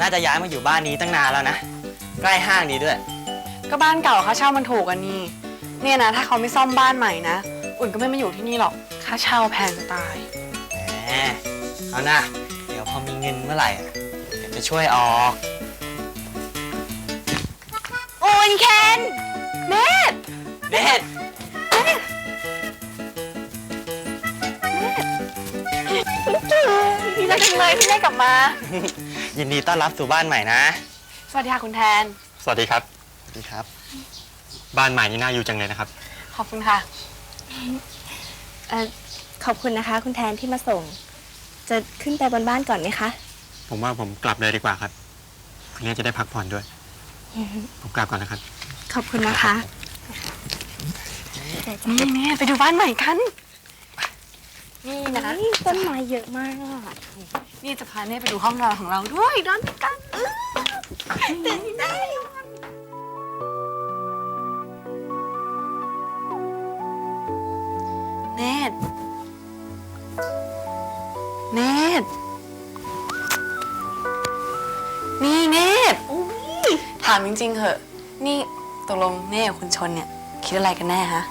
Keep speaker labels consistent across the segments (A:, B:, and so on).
A: น่าจะย้ายมาอยู่บ้านนี้ตั้งนานแล้วนะใกล้ห้างดีด้วย
B: ก็บ้านเก่าค่าเช่ามันถูกอันนี้เนี่ยนะถ้าเขาไม่ซ่อมบ้านใหม่นะอุ่นก็ไม่มาอยู่ที่นี่หรอกค่าเช่าแพงจะตาย
A: แหมเอานะเดี๋ยวพอมีเงินเมื่อไหร่เดี๋ยวจะช่วยออก
B: อุ่นเคนเนต
A: เด็ด
B: ดีใจจังเลยที่ได้กลับมา
A: ยินดีต้อนรับสู่บ้านใหม่นะ
B: สวัสดีค่ะคุณแทน
C: สวัสดีครับ
A: สวัสดีครับ
C: บ้านใหม่นี่น่าอยู่จังเลยนะครับ
B: ขอบคุณค่ะ
D: ขอบคุณนะคะคุณแทนที่มาส่ง จะขึ้นไปบนบ้านก่อนไหมคะ
C: ผมว่าผมกลับเลยดีกว่าครับคืนนี้จะได้พักผ่อนด้วย ผมกลับก่อนนะครับ
D: ขอบคุณนะคะ
B: นี่ไปดูบ้านใหม่กัน นี่นะ
D: ต้นไม้เยอะมาก
B: นี่จะพาเน่ไปดูห้องนอนของเราด้วยนอนด้วยกันเต้นได้เนตเนตนี่เนตถามจริงๆเหอะนี่ตกลงเน่กับคุณชนเนี่ยคิดอะไรกันแน่ฮะ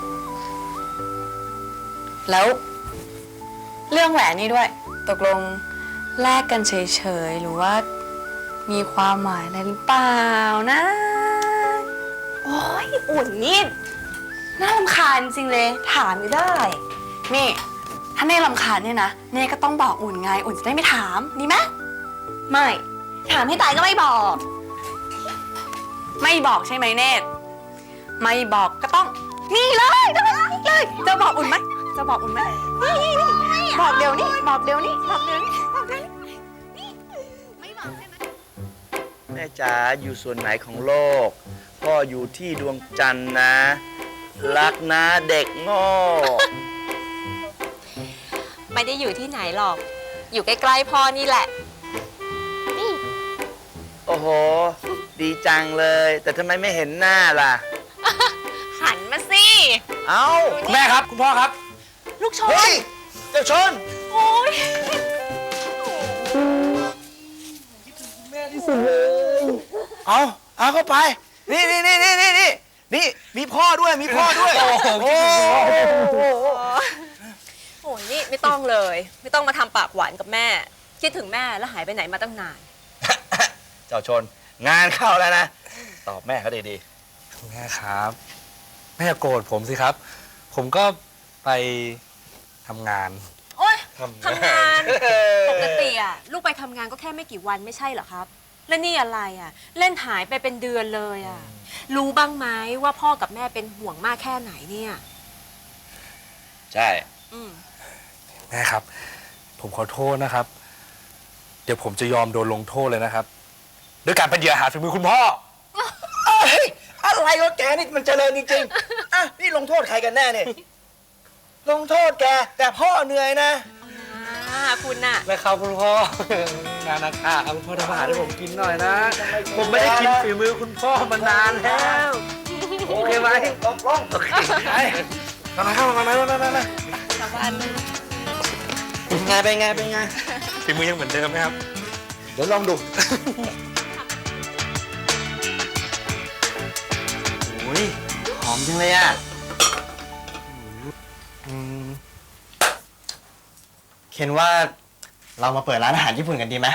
B: แล้วเรื่องแหวนนี่ด้วยตกลงแลกกันเฉยๆหรือว่ามีความหมายอะไรหรือเปล่านะโอ้ยอุ่นนี่น่ารำคาญจริงเลยถามไม่ได้นี่ถ้าเน่รำคาญเนี่ยนะเน่ก็ต้องบอกอุ่นไงอุ่นจะได้ไม่ถามดีไหมไม่ถามให้ตายก็ไม่บอกไม่บอกใช่ไหมเน่ไม่บอกก็ต้องนี่เลยจะบอกอุ่นไหมจะบอกอุ่นไหมนี่บอกเดี๋ยวนี้บอกเดี๋ยวนี้บอกเดี๋ยวนี้บอกเดี๋ยวนี้ไม่บอกใช่ไหม
E: แม่จ๋าอยู่ส่วนไหนของโลกพ่ออยู่ที่ดวงจันทร์นะ รักนะเด็กโง่
F: ไม่ได้อยู่ที่ไหนหรอก อยู่ใกล้ๆพ่อนี่แหละ
E: โอ้โห ดีจังเลย แต่ทำไมไม่เห็นหน้าล่ะ
F: หันมาสิ
E: เอ้า
C: คุณแม่ครับ คุณพ่อครับ
F: ลูกชน
E: เฮ้ย เจ้าชน
F: โอ้ย
E: เอาเข้าไป นี่มีพ่อด้วย มีพ่อด้วย โอ้โห
F: โอ้ยนี่ไม่ต้องเลย ไม่ต้องมาทำปากหวานกับแม่ คิดถึงแม่แล้วหายไปไหนมาตั้งนาน
E: เจ้าชน งานเข้าแล้วนะ ตอบแม่เขาดี
G: แม่ครับแม่อย่าโกรธผมสิครับ ผมก็ไปทำงาน
F: โอ๊ยทำงาน ปกติอะลูกไปทำงานก็แค่ไม่กี่วันไม่ใช่เหรอครับ แล้วนี่อะไรอะเล่นหายไปเป็นเดือนเลยอะรู้บ้างไหมว่าพ่อกับแม่เป็นห่วงมากแค่ไหนเนี่ย
E: ๆ ใช่
F: อืม
G: แม่ครับ ผมขอโทษนะครับ เดี๋ยวผมจะยอมโดนลงโทษเลยนะครับด้วยการเป็นเหยื่ออาหารฝีมือคุณพ่อ
E: เฮ้ย อะไรวะแกนี่มันเจริญจริงๆ อ่ะ นี่ลงโทษใครกันแน่เนี่ย ลงโทษแก แต่พ่อเหนื่อยนะ
F: คุณน่ะ
G: แม่ครับคุณพ่องานนะคะครับคุณพ่อทำอาหารให้ผมกินหน่อยนะ ผมไม่ได้กินฝีมือคุณพ่อมานานแล้ว โอเคไหม
E: ลง
G: โอเคไปมาเข้ามา
E: เป็นไง
G: ฝีมือยังเหมือนเดิมไหมครับ
E: เดี๋ยวลองดู
A: โอ้ยหอมจังเลยอ่ะเคนว่าเรามาเปิดร้านอาหารญี่ปุ่นกันดีไหม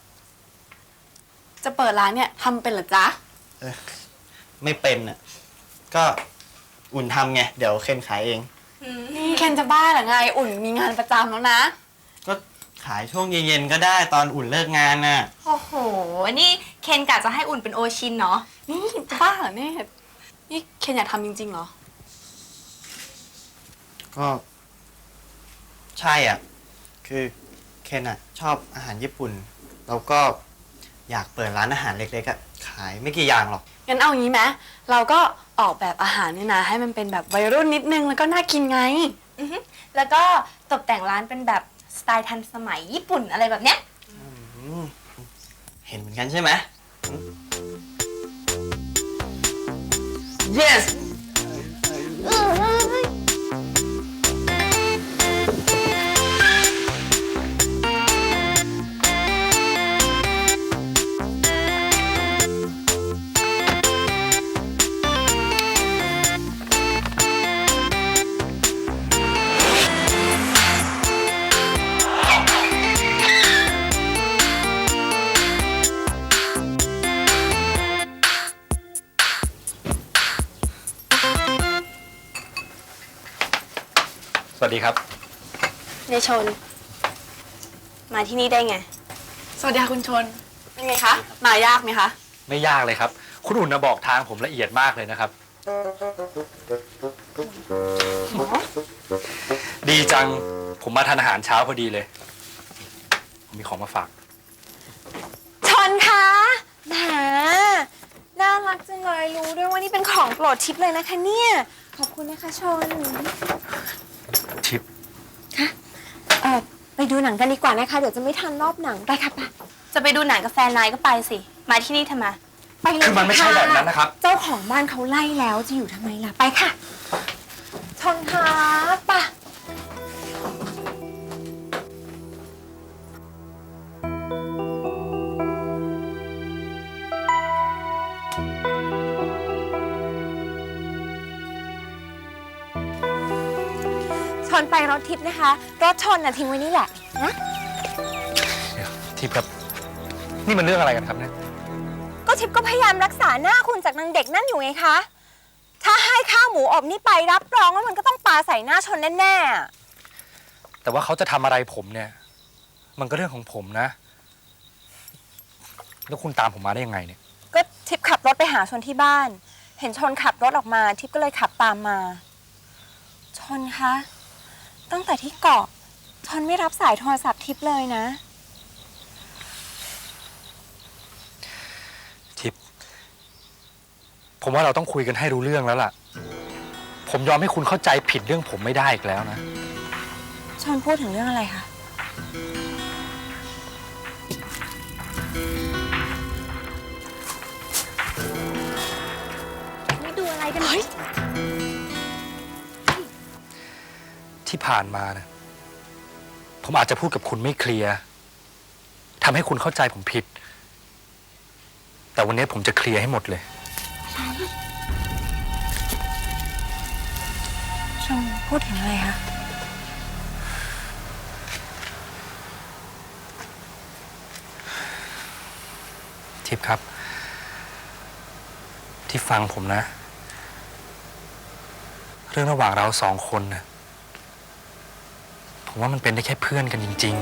B: จะเปิดร้านเนี่ยทำเป็นเหรอจ๊ะ
A: ไม่เป็นอ่ะก็อุ่นทำไงเดี๋ยวเคนขายเอง
B: นี่เคนจะบ้าเหรอไงอุ่นมีงานประจำแล้วนะ
A: ก็ขายช่วงเย็นๆก็ได้ตอนอุ่นเลิกงานน่ะ
D: โอ้โห นี่เคนกะจะให้อุ่นเป็นโอชินเนาะ
B: นี่จะบ้าเหรอเนี่ยนี่เคนอยากทำจริงๆเหรอ
A: ก็ใช่อ่ะคือเคนอ่ะชอบอาหารญี่ปุ่นแล้วก็อยากเปิดร้านอาหารเล็กๆอ่ะขายไม่กี่อย่างหรอก
B: งั้นเอางี้ไหมเราก็ออกแบบอาหารเนี่ยนะให้มันเป็นแบบวัยรุ่นนิดนึงแล้วก็น่ากินไง
D: แล้วก็ตกแต่งร้านเป็นแบบสไตล์ทันสมัยญี่ปุ่นอะไรแบบเนี้ย
A: เห็นเหมือนกันใช่ไหม yes
G: สวัสดีครับ
D: ในชน มาที่นี่ได้ไง
B: สวัสดีค่ะคุณชน เป็นไงคะ มายากไหมคะ
G: ไม่ยากเลยครับ คุณอุ่นนะบอกทางผมละเอียดมากเลยนะครับ ดีจัง ผมมาทานอาหารเช้าพอดีเลย ผมมีของมาฝาก
D: ชนคะแหมน่ารักจังเลยรู้ด้วยว่านี่เป็นของโปรดทิปเลยนะคะเนี่ย ขอบคุณนะคะชน
G: ทิป
D: ไปดูหนังกันดีกว่านะคะ เดี๋ยวจะไม่ทันรอบหนังไปค่ะไปจะไปดูหนังกับแฟนนายก็ไปสิ มาที่นี่ทำไมไปเลย
G: คือมันไม่ใช่แบบนั้นนะครับ
D: เจ้าของบ้านเขาไล่แล้วจะอยู่ทำไมล่ะไปค่ะ ชนคะไปะชนไปรถทิพย์นะคะ รถชนน่ะทิ้งไว้นี่แหละนะ
G: เดี๋ยวทิปครับ นี่มันเรื่องอะไรกันครับเนี่ย
D: ก็ทิพย์ก็พยายามรักษาหน้าคุณจากนางเด็กนั่นอยู่ไงคะ ถ้าให้ข้าวหมูอบนี่ไปรับรองว่ามันก็ต้องปาใส่หน้าชนแน่ๆอะ
G: แต่ว่าเขาจะทำอะไรผมเนี่ย มันก็เรื่องของผมนะ แล้วคุณตามผมมาได้ยังไงเนี่ย
D: ก็ทิพย์ขับรถไปหาชนที่บ้าน เห็นชนขับรถออกมา ทิพย์ก็เลยขับตามมา ชนคะ ตั้งแต่ที่เกาะชนไม่รับสายโทรศัพท์ทิพย์เลยนะ
G: ทิป ผมว่าเราต้องคุยกันให้รู้เรื่องแล้วล่ะ ผมยอมให้คุณเข้าใจผิดเรื่องผมไม่ได้อีกแล้วนะ
D: ชนพูดถึงเรื่องอะไรคะ ไม่ดูอะไรกัน
G: ที่ผ่านมานะผมอาจจะพูดกับคุณไม่เคลียร์ทำให้คุณเข้าใจผมผิด แต่วันนี้ผมจะเคลียร์ให้หมดเลย
D: ชนพูดถึงอะไรคะ
G: ทิพย์ครับ ที่ฟังผมนะ เรื่องระหว่างเราสองคนนะผมว่ามันเป็นได้แค่เพื่อนกันจริง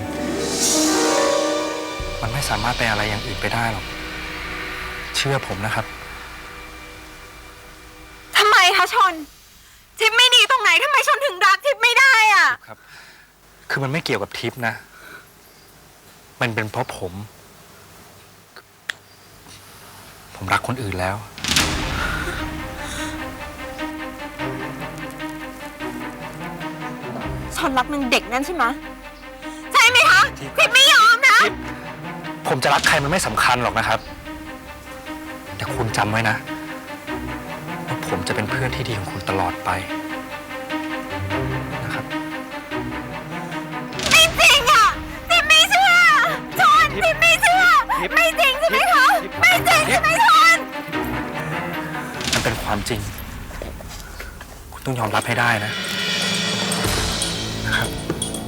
G: ๆ มันไม่สามารถเป็นอะไรอย่างอื่นไปได้หรอก เชื่อผมนะครับ
D: ทำไมคะชน ทิพย์ไม่ดีตรงไหนทำไมชนถึงรักทิพย์ไม่ได้อะ
G: ครับ คือมันไม่เกี่ยวกับทิพย์นะ มันเป็นเพราะผมรักคนอื่นแล้ว
D: ชนรักนางเด็กนั่นใช่ไหมใช่ไหมคะ
G: ทิพย์
D: ทิพย์ไม่ยอมนะ
G: ผมจะรักใครมันไม่สำคัญหรอกนะครับ แต่คุณจำไว้นะว่าผมจะเป็นเพื่อนที่ดีของคุณตลอดไปนะครับ
D: ไม่จริงอ่ะทิพย์ไม่เชื่อชนทิพย์ไม่เชื่อ ไม่จริงใช่ไหมคะ ไม่จริงใช่ไหมชน
G: มันเป็นความจริง คุณต้องยอมรับให้ได้นะ นะครับ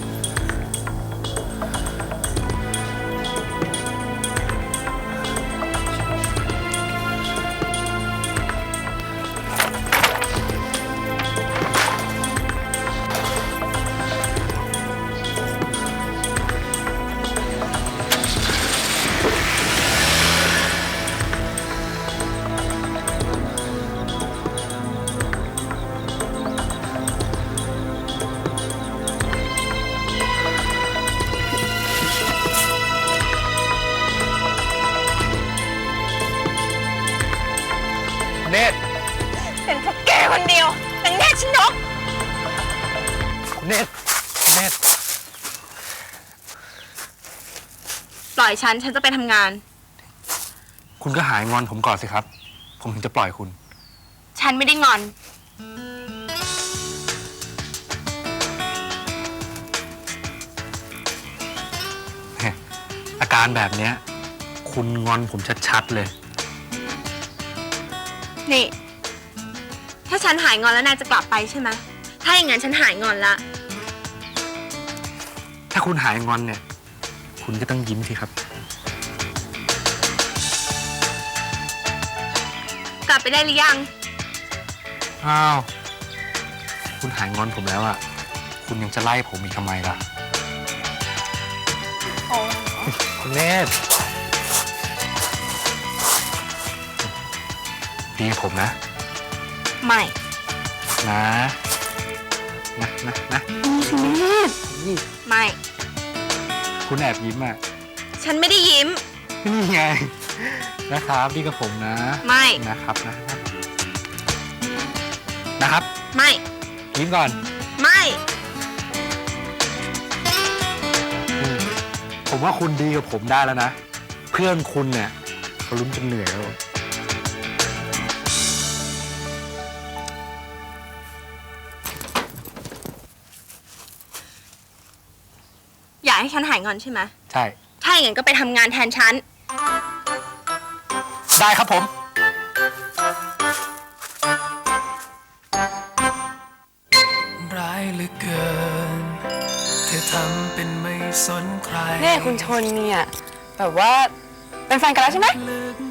G: เนตร
D: เป็นเพราะแกคนเดียวนางแน่ชนก
G: เนตร เนตร
D: ปล่อยฉันจะไปทำงาน
G: คุณก็หายงอนผมก่อนสิครับ ผมถึงจะปล่อยคุณ
D: ฉันไม่ได้งอน
G: อาการแบบเนี้ย คุณงอนผมชัดๆเลย
D: นี่ ถ้าฉันหายงอนแล้วนายจะกลับไปใช่ไหมถ้าอย่างนั้นฉันหายงอนละ
G: ถ้าคุณหายงอนเนี่ย คุณก็ต้องยิ้มสิครับ
D: กลับไปได้หรือยัง
G: อ้าว คุณหายงอนผมแล้วอะคุณยังจะไล่ผมอีกทำไมล่ะ คุณเนตรดีกับผมนะ
F: ไม่
G: นะนะ
F: ไม่
G: คุณแอบยิ้มอ่ะ
F: ฉันไม่ได้ยิ้ม
G: นี่ไง นะครับดีกับผมนะ
F: ไม่
G: นะครับนะครับ
F: ไม่
G: ยิ้มก่อน
F: ไม่
G: ผมว่าคุณดีกับผมได้แล้วนะ เพื่อนคุณเนี่ยเขาลุ้นจนเหนื่อยแล้ว
F: อยากให้ฉันหายงอนใช่ไหม
G: ใช่
F: ถ้าอย่างนั้นก็ไปทำงานแทนฉัน
G: ได้ครับผม
H: ร้ายเหลือเกิน เธอทำเป็นไม่สนใคร
B: เนี่ยคุณชนเนี่ย แบบว่าเป็นแฟนกันแล้วใช่ไหม
H: ลึก